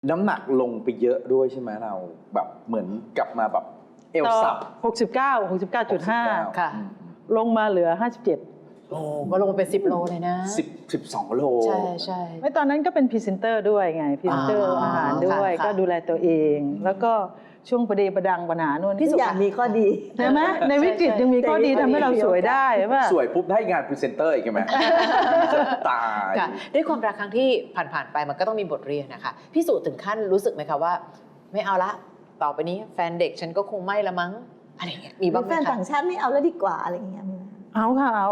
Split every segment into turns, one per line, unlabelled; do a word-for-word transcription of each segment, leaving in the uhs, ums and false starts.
น้ำหนักลงไปเยอะด้วยใช่ไหมเราแบบเหมือนกลับมาแบบเอวสับ
หกสิบเก้า หกสิบเก้าจุดห้า
ค่ะ
ลงมาเหลือห้าสิบเจ็ด
โอ้ก็ลงไปสิบโลเลยนะ
สิบ สิบสองโล
ใช่ใช่
ไม่ตอนนั้นก็เป็นพรีเซนเตอร์ด้วยไงพรีเซนเตอร์อาหารด้วยก็ดูแลตัวเอง แล้วก็ช่วงประเดประดังปัญหาโน่น
ทุกอย่างมีข้อดี
ใช่ไหมในวิกฤตยังมีข้อดีทำให้เราสวยได้ป่ะ
สวยปุ๊บได้งานพรีเซนเตอร์อีกไหมตาย
ด้วยความรักครั้งที่ผ่านๆไปมันก็ต้องมีบทเรียนนะคะพี่สุถึงขั้นรู้สึกไหมคะว่าไม่เอาละต่อไปนี้แฟนเด็กฉันก็คงไม่ละมั้งอะไรอย่างเงี้ยมีบ้างไหมคะ
แฟนต่างชาติไม่เอาแล้วดีกว่าอะไรอย่างเงี้ย
เอาค่ะเอา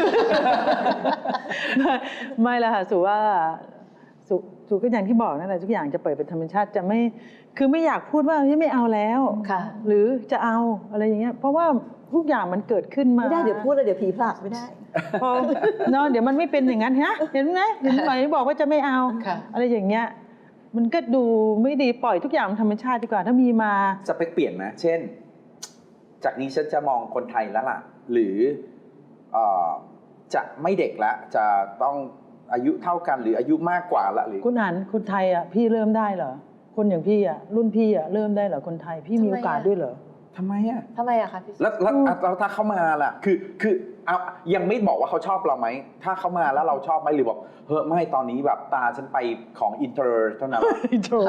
ไม่ละค่ะสุว่าสุสุก็อย่างที่บอกนั่นแหละทุกอย่างจะเปิดเป็นธรรมชาติจะไม่คือไม่อยากพูดว่าไม่เอาแล้วหรือจะเอาอะไรอย่างเงี้ยเพราะว่าทุกอย่างมันเกิดขึ้นมา
ไม่ได้เดี๋ยวพูดแล้วเดี๋ยวผีผลักไม่ได้
พอเนาะเดี๋ยวมันไม่เป็นอย่างนั้นฮะเห็นไหมเห็นไหมบอกว่าจะไม่เอาอะไรอย่างเงี้ยมันก็ดูไม่ดีปล่อยทุกอย่างธรรมชาติดีกว่าถ้ามีมา
สเปคเปลี่ยนไหมเช่นจากนี้ฉันจะมองคนไทยแล้วล่ะหรือจะไม่เด็กละจะต้องอายุเท่ากันหรืออายุมากกว่าละหรือ
คุณหันคนไทยอ่ะพี่เริ่มได้เหรอคนอย่างพี่อ่ะรุ่นพี่อ่ะเริ่มได้เหรอคนไทยพี่มีโอกาสด้วยเหรอ
ทำไมอ่ะ
ทำไมอะคะพี่
แล้วแล้วแล้วถ้าเขามาล่ะคือคือเอายังไม่บอกว่าเขาชอบเราไหมถ้าเขามาแล้วเราชอบไหมหรือบอกเฮ้ยไม่ตอนนี้แบบตาฉันไปของอินเตอร์เท่านั้น
อินเตอร์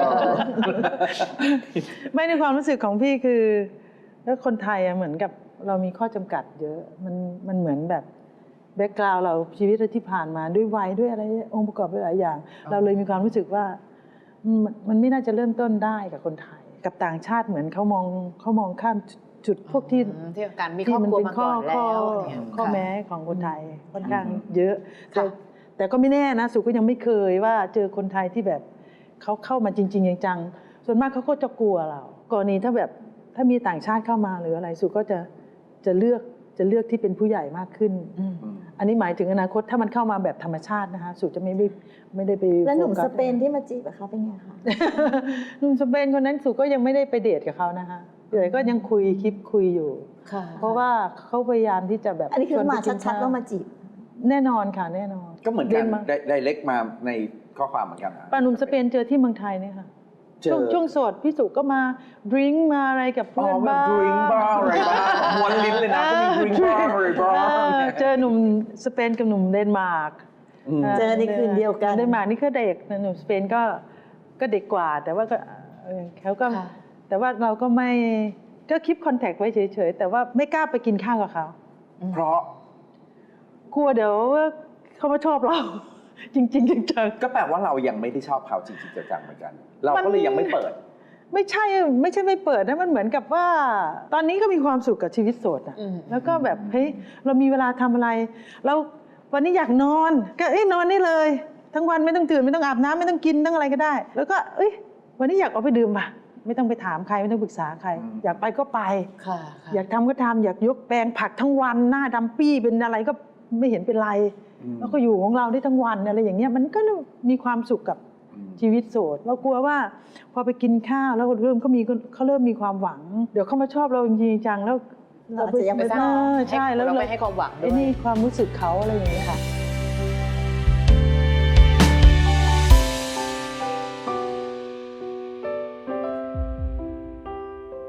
ไม่ในความรู้สึกของพี่คือแล้วคนไทยอ่ะเหมือนกับเรามีข้อจำกัดเยอะมันมันเหมือนแบบแบ็กกราวด์เราชีวิตที่ผ่านมาด้วยวัยด้วยอะไรองค์ประกอบหลายอย่างเราเลยมีความรู้สึกว่ามันไม่น่าจะเริ่มต้นได้กับคนไทยกับต่างชาติเหมือนเขามองเขามองข้ามจุดพวกที่
ที่การมีครอบครัวมาก่อนแล้ว
ข้อแม้ของคนไทยค่อนข้างเยอะแต่แต่ก็ไม่แน่นะสุก็ยังไม่เคยว่าเจอคนไทยที่แบบเขาเข้ามาจริงๆจังๆส่วนมากเขาก็จะกลัวเรากรณีถ้าแบบถ้ามีต่างชาติเข้ามาหรืออะไรสุก็จะจะเลือกจะเลือกที่เป็นผู้ใหญ่มากขึ้นอันนี้หมายถึงอนาคตถ้ามันเข้ามาแบบธรรมชาตินะคะสุจะไม่ไม่ได้ไป
แล้วหนุ่มสเปนที่มาจีบเขาเป็นไงคะ
หนุ่มสเปนคนนั้นสุก็ยังไม่ได้ไปเดทกับเขานะคะแต่ก็ยังคุยคลิปคุยอยู่เพราะว่าเขาพยายามที่จะแบบ
อันนี้คือมาชัดๆว่ามาจีบ
แน่นอนค่ะแน่นอน
ก็เหมือนกันได้เล็กมาในข้อความเหมือนกัน
ป้าหนุ่มสเปนเจอที่เมืองไทยเนี่ยค่ะช่วงช่วงโสดพี่สุก็มาดริงก์มาอะไรกับเพื่อนบ้าง
ดริงก์บ้างอะไรบ้างม้วนลิ้นเลยนะก็มีดริงก์บ้างอะไรบ้าง
เจอหนุ่มสเปนกับหนุ่มเดนมาร์ก
เจอในคืนเดียวกัน
เดนมาร์กนี่ก็เด็กหนุ่มสเปนก็ก็เด็กกว่าแต่ว่าก็เขาก็แต่ว่าเราก็ไม่ก็คลิปคอนแทคไว้เฉยๆแต่ว่าไม่กล้าไปกินข้าวกับเขา
เพราะ
กลัวเดี๋ยวเขามาชอบเราจริงๆจัง
ๆก็แปลว่าเรายังไม่ได้ชอบเขาจริงๆจังๆเหมือนกันเราก็เลยยังไม่เปิด
ไม่ใช่ไม่ใช่ไม่เปิดนะมันเหมือนกับว่าตอนนี้ก็มีความสุขกับชีวิตโสดอ่ะแล้วก็แบบเฮ้ยเรามีเวลาทำอะไรเราวันนี้อยากนอนก็เอ้ยนอนได้เลยทั้งวันไม่ต้องตื่นไม่ต้องอาบน้ำไม่ต้องกินต้องอะไรก็ได้แล้วก็เอ้ยวันนี้อยากออกไปดื่มป่ะไม่ต้องไปถามใครไม่ต้องปรึกษาใครอยากไปก็ไปอยากทำก็ทำอยากยกแปลงผักทั้งวันหน้าดำปี้เป็นอะไรก็ไม่เห็นเป็นไรแล้วก็อยู่ของเราได้ทั้งวันอะไรอย่างเงี้ยมันก็มีความสุขกับชีวิตโสดเรากลัวว่าพอไปกินข้าวแล้วเริ่มเขามีเขาเริ่มมีความหวังเดี๋ยวเขามาชอบเราจริงจังแล้ว
เราจะยังไม่
ใช่แล้วเรา
ไม่ให้ความหวังด้วย
ไอ้นี่ความรู้สึกเขาอะไรอย่างเงี้ยค่ะ